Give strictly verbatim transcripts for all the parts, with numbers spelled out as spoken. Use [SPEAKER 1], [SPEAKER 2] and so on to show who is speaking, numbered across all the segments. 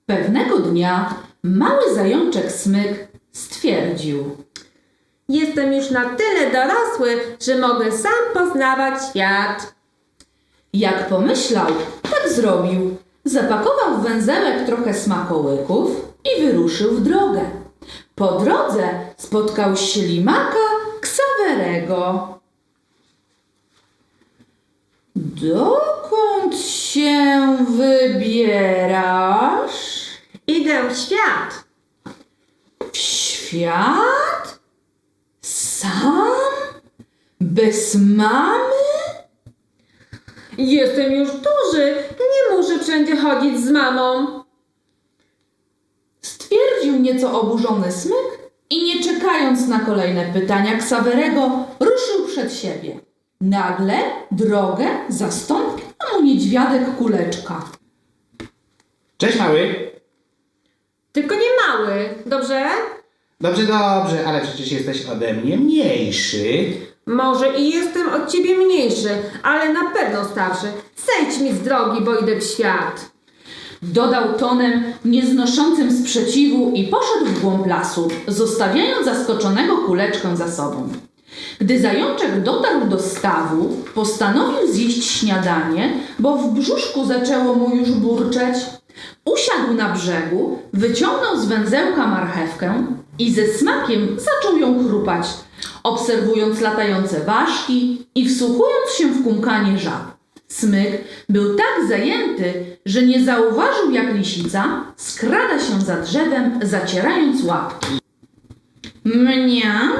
[SPEAKER 1] Pewnego dnia mały zajączek Smyk stwierdził:
[SPEAKER 2] Jestem już na tyle dorosły, że mogę sam poznawać świat.
[SPEAKER 1] Jak pomyślał, tak zrobił. Zapakował w węzełek trochę smakołyków i wyruszył w drogę. Po drodze spotkał ślimaka Ksawerego. Dokąd się wybierasz?
[SPEAKER 2] Idę w świat.
[SPEAKER 1] W świat? Sam? Bez mamy?
[SPEAKER 2] Jestem już duży, nie muszę wszędzie chodzić z mamą.
[SPEAKER 1] Stwierdził nieco oburzony Smyk i nie czekając na kolejne pytania Ksawerego, ruszył przed siebie. Nagle drogę zastąpił mu niedźwiadek Kuleczka.
[SPEAKER 3] Cześć mały.
[SPEAKER 2] Tylko nie mały, dobrze?
[SPEAKER 3] Dobrze, dobrze, ale przecież jesteś ode mnie mniejszy.
[SPEAKER 2] Może i jestem od ciebie mniejszy, ale na pewno starszy. Zejdź mi z drogi, bo idę w świat.
[SPEAKER 1] Dodał tonem nieznoszącym sprzeciwu i poszedł w głąb lasu, zostawiając zaskoczonego Kuleczkę za sobą. Gdy zajączek dotarł do stawu, postanowił zjeść śniadanie, bo w brzuszku zaczęło mu już burczeć. Usiadł na brzegu, wyciągnął z węzełka marchewkę i ze smakiem zaczął ją chrupać, obserwując latające ważki i wsłuchując się w kumkanie żab. Smyk był tak zajęty, że nie zauważył, jak lisica skrada się za drzewem, zacierając łapki. Mniam,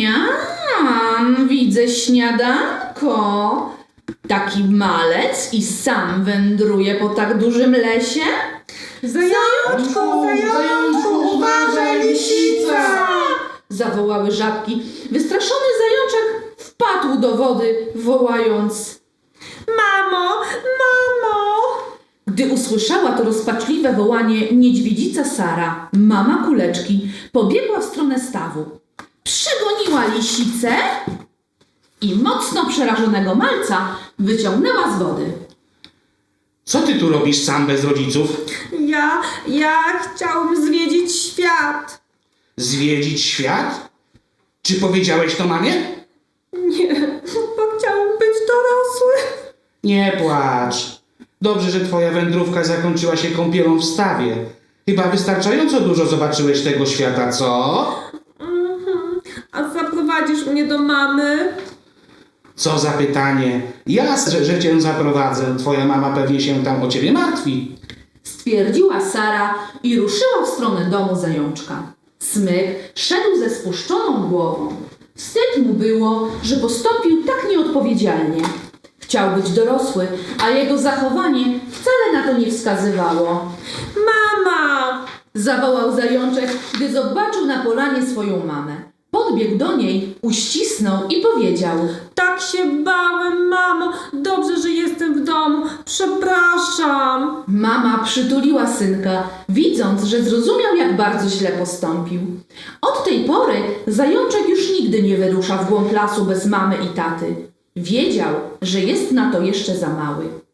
[SPEAKER 1] mniam, widzę śniadanko. Taki malec i sam wędruje po tak dużym lesie?
[SPEAKER 2] Zajączku, zajączku, uważaj, lisica!
[SPEAKER 1] Zawołały żabki. Wystraszony zajączek wpadł do wody, wołając:
[SPEAKER 2] Mamo, mamo!
[SPEAKER 1] Gdy usłyszała to rozpaczliwe wołanie niedźwiedzica Sara, mama Kuleczki, pobiegła w stronę stawu. Przegoniła lisicę i mocno przerażonego malca wyciągnęła z wody.
[SPEAKER 3] Co ty tu robisz sam bez rodziców?
[SPEAKER 2] Ja, ja chciałbym zwiedzić świat.
[SPEAKER 3] Zwiedzić świat? Czy powiedziałeś to mamie?
[SPEAKER 2] Nie, bo chciałam być dorosły.
[SPEAKER 3] Nie płacz. Dobrze, że twoja wędrówka zakończyła się kąpielą w stawie. Chyba wystarczająco dużo zobaczyłeś tego świata, co?
[SPEAKER 2] Mhm. A zaprowadzisz mnie do mamy?
[SPEAKER 3] Co za pytanie. Jasne, że cię zaprowadzę. Twoja mama pewnie się tam o ciebie martwi.
[SPEAKER 1] Stwierdziła Sara i ruszyła w stronę domu zajączka. Smyk szedł ze spuszczoną głową. Wstyd mu było, że postąpił tak nieodpowiedzialnie. Chciał być dorosły, a jego zachowanie wcale na to nie wskazywało.
[SPEAKER 2] Mama!
[SPEAKER 1] Zawołał zajączek, gdy zobaczył na polanie swoją mamę. Podbiegł do niej, uścisnął i powiedział:
[SPEAKER 2] Tak się bałem, mamo. Dobrze, że jestem w domu. Przepraszam.
[SPEAKER 1] Mama przytuliła synka, widząc, że zrozumiał, jak bardzo źle postąpił. Od tej pory zajączek już nigdy nie wyrusza w głąb lasu bez mamy i taty. Wiedział, że jest na to jeszcze za mały.